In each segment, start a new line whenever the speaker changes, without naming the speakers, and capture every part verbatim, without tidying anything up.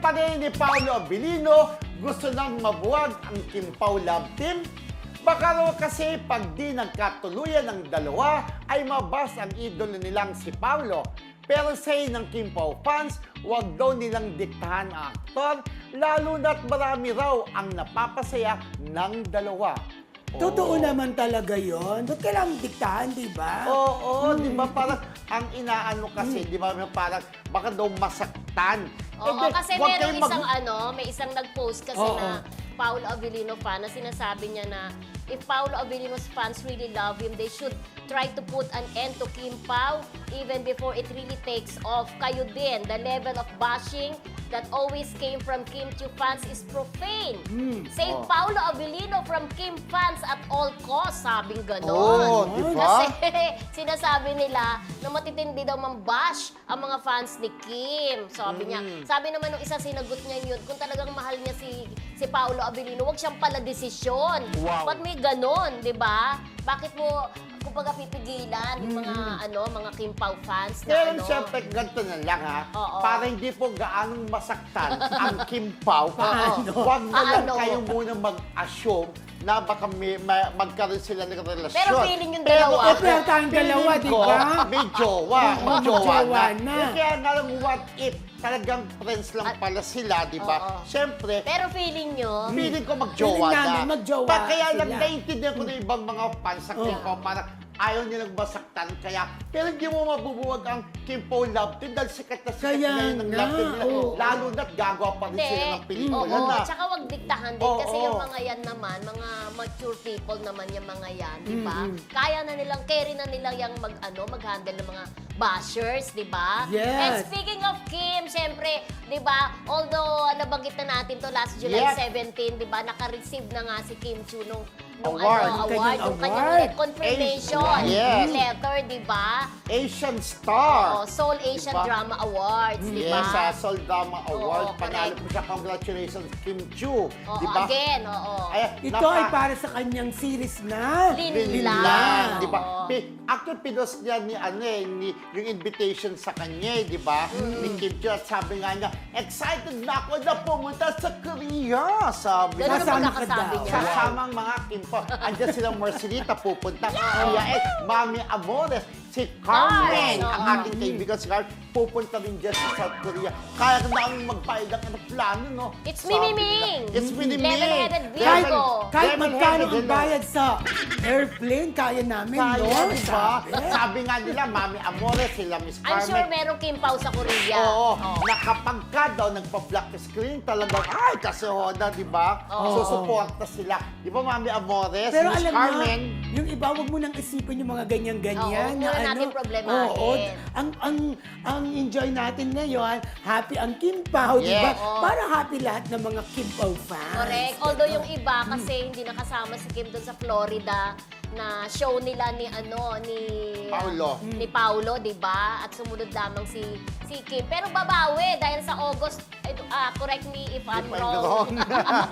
pa rin ni Paolo Abilino, gusto nang mabuwag ang Kim Pao love team. Baka raw kasi pag di nagkatuluyan ng dalawa ay mabas ang idolo nilang si Paolo. Pero say ng Kim Pao fans, huwag daw nilang diktahan ang aktor, lalo na't marami raw ang napapasaya ng dalawa.
Totoo naman talaga yon. Ba't kailangan diktahan, di ba?
Oo, di ba parang ang inaano kasi, di ba parang baka daw masaktan.
Oo,
Eh, di,
kasi
huwag
merong
kayong mag-
isang ano, may isang nag-post kasi
Oo.
na Paolo Abilino fan na sinasabi niya na if Paolo Abilino's fans really love him, they should try to put an end to Kim Pao even before it really takes off. Kayo din, the level of bashing that always came from Kim Chiu fans is profane. Save
Oh.
Paolo Abilino from Kim fans at all costs, sabing ganon.
Oo, di ba?
Kasi sinasabi nila na matitindi daw mambash ang mga fans ni Kim. Sabi niya,
Mm.
sabi naman nung isa sinagot niya yun, kung talagang mahal niya si si Paolo Abilino, huwag siyang pala desisyon.
Wow.
Ba't may ganon, di ba? Bakit mo, kumbaga pipigilan yung mga, ano, mga Kim Pao fans na
Pero
ano?
siyempre, ganito na lang ha.
Oo.
Para hindi po gaanong masaktan ang Kim Pao.
Paano?
Huwag na lang
Paano?
kayo muna mag-assume na baka may, may, magkaroon sila ng relasyon.
Pero feeling yung
Pero,
dalawa.
Eh, pero tayong dalawa,
feeling
di
ko,
ba?
May jowa.
Oo,
May
may
jowa
jowa
na.
na.
Eh, Kaya nga lang, what if talagang friends lang
At-
pala sila, di ba?
Oo.
Siyempre,
Pero feeling nyo,
feeling ko magjowa
Feeling
na.
namin, magjowa
Pa, kaya lang
sila.
naiintindihan ko na ibang mga fans sa Kim
Oo.
Pao, parang ayaw nilang masaktan. Kaya, pero hindi mo mabubuwag ang Kim Pao love team dahil sikat na sikat
Kaya
na yun ang
nga,
love team nila.
oo.
Lalo na't gagawa pa rin sila ng pelikula
oo,
na.
tsaka wag diktahan din
Oo,
kasi
oo.
yung mga yan naman, mga mature people naman yung mga yan, di ba? Kaya na nilang, carry na nilang yung mag, ano, mag-handle ng mga bashers, di ba?
Yes.
And speaking of Kim, syempre, di ba, although nabanggit na natin to last July
Yep.
seventeen, di ba, naka-receive na nga si Kim Chu nung, nung
Award.
ano,
Yung
award,
kanyang
yung
award.
kanyang confirmation
Yes.
letter, di ba?
Asian Star.
Oh, Seoul Asian
Diba?
Drama Awards, di ba?
Yes, sa Sol Drama Award.
Oo,
Panalo
correct.
po siya. Congratulations, Kim Chu.
Oo,
Di ba?
again, oo.
Ay,
Ito
napa-
ay para sa kanyang series na.
Linlang.
Linlang, di ba?
Oo.
Pi- Actually, pinost niya ni, ano eh, ni, yung invitation sa kanya, eh, di ba? Ni Kim Chiu. At sabi nga niya, excited na ako na pumunta sa Korea. Sabi
Ganun
niya.
ang
Kasama ka
pagkakasabi
daw.
niya.
Kasama ang mga Kim Pao. Andiyan silang Marcelita pupunta. Kuya Ed, Mami Amores, si Carmen,
Carmen,
ang
oo.
ating kaibigan si Carmen, pupunta rin dyan sa South Korea. Kaya na ang magbayad ng ano, plano, no?
It's
Sabi
Mimi
nila.
Ming.
It's Mimi Ming.
Level-headed
Kahit,
Virgo.
kahit
Level-headed,
magkano ang
hello.
bayad sa airplane, kaya namin,
Kaya,
no?
di ba?
Sabi.
Sabi nga nila, Mami Amores, sila Miss
I'm
Carmen.
sure merong Kim Pao sa Korea.
Oo,
Oo.
na kapag ka daw nagpa-black screen, talagang, ay, kasi hoda, di ba?
Oo.
Susuporta sila. Di ba, Mami Amores,
Pero
Miss
alam
Carmen?
mo, yung iba, wag mo nang isipin yung mga ganyan-ganyan.
Oo, huwag muna natin problemahin.
Oo, ang, ang, ang enjoy natin ngayon, happy ang Kim Pao, di ba?
Yes.
Oo.
Para happy lahat ng mga Kim Pao fans.
Correct. Although yung iba kasi hindi nakasama si Kim doon sa Florida na show nila ni ano ni
Paolo.
ni Paolo, 'di ba? At sumunod lamang si si Kim. Pero babawi dahil sa August eh, ah, correct me if I'm
If I'm
wrong.
wrong.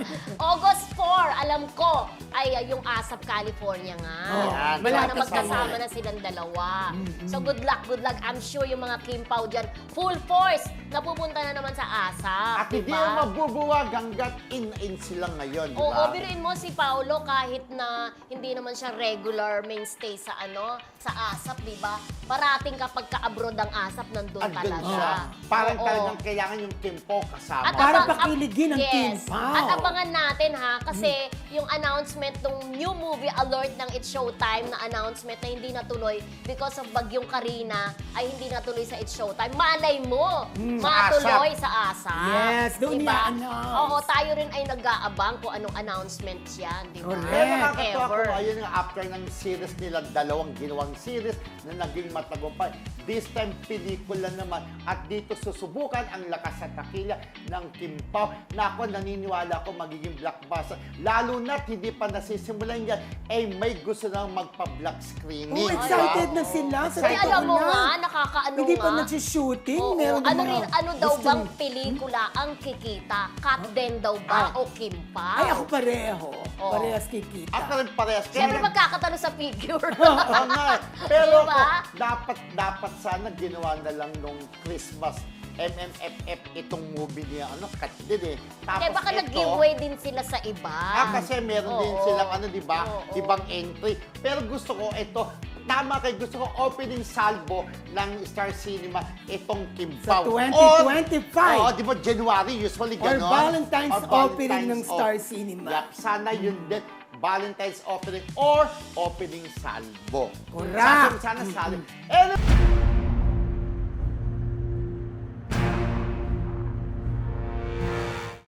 August four, alam ko ay ah, yung ASAP California nga.
Oh,
Yan.
Di ba, na
malapit
magkasama
na.
na silang dalawa. So good luck, good luck. I'm sure yung mga Kim Pao dyan, full force na pupunta na naman sa ASAP.
At hindi
diba?
yung mabubuwag hanggat in-in sila ngayon, di
Oo,
ba?
biruin mo si Paolo kahit na hindi naman siya regular mainstay sa ano, sa ASAP, di ba? Parating kapag ka-abroad ang ASAP, nandun
Andun
talaga.
siya. Parang
Oo.
talagang kailangan yung Kim Pao kasama.
At
Para
abang- ab-
pakiligin ang
yes.
Kim Pao.
At abangan natin ha, kasi yung announcement ng new movie alert ng It's Showtime na announcement na hindi natuloy because of Bagyong Karina ay hindi natuloy sa It's Showtime. Malay mo, matuloy sa ASAP.
Yes, doon
Diba?
i-announce.
Oo, tayo rin ay nag-aabang kung anong announcement yan, di ba?
Correct.
Pero nakakatawa ko,
Ever.
ayun nga, after ng series nila, dalawang ginawang series na naging matagumpay. This time, pelikula naman. At dito susubukan ang lakas at takila ng Kim Pao. Na ako, naniniwala ako magiging blockbuster. Lalo na't hindi pa nasisimulan yan, eh may gusto nang magpa-black screening.
Oh,
di ba?
excited na sila. Sa
Ay,
totoo
alam mo
lang.
nga, nakakaano
Hindi
nga.
pa nagsishooting.
Oo,
Meron
ano
mga
rin, ano daw
gustong-
bang pelikula ang kikita? Cut din daw ba o Kim Pao?
Ay, ako pareho.
Oo.
Parehas kikita.
Ako rin parehas.
Siyempre
Kaya-
magkakatalo sa figure.
Oo nga. eh. Pero
Diba?
ako, dapat, dapat sana ginawa na lang nung Christmas M M F F itong movie niya, ano, cut din eh. Tapos
Kaya baka
ito,
nag-giveaway din sila sa iba.
Ah, kasi meron din
Oo.
silang ano, di ba?
Oo.
Ibang entry. Pero gusto ko ito, tama kay gusto ko opening salvo ng Star Cinema itong Kim
Sa
Pao.
twenty twenty-five.
Oo, di ba January usually
Or
gano'n?
Valentine's opening ng
of-
Star Cinema.
Yup, sana yun din. Valentine's opening or opening salvo.
Correct.
Sana, sana salvo. And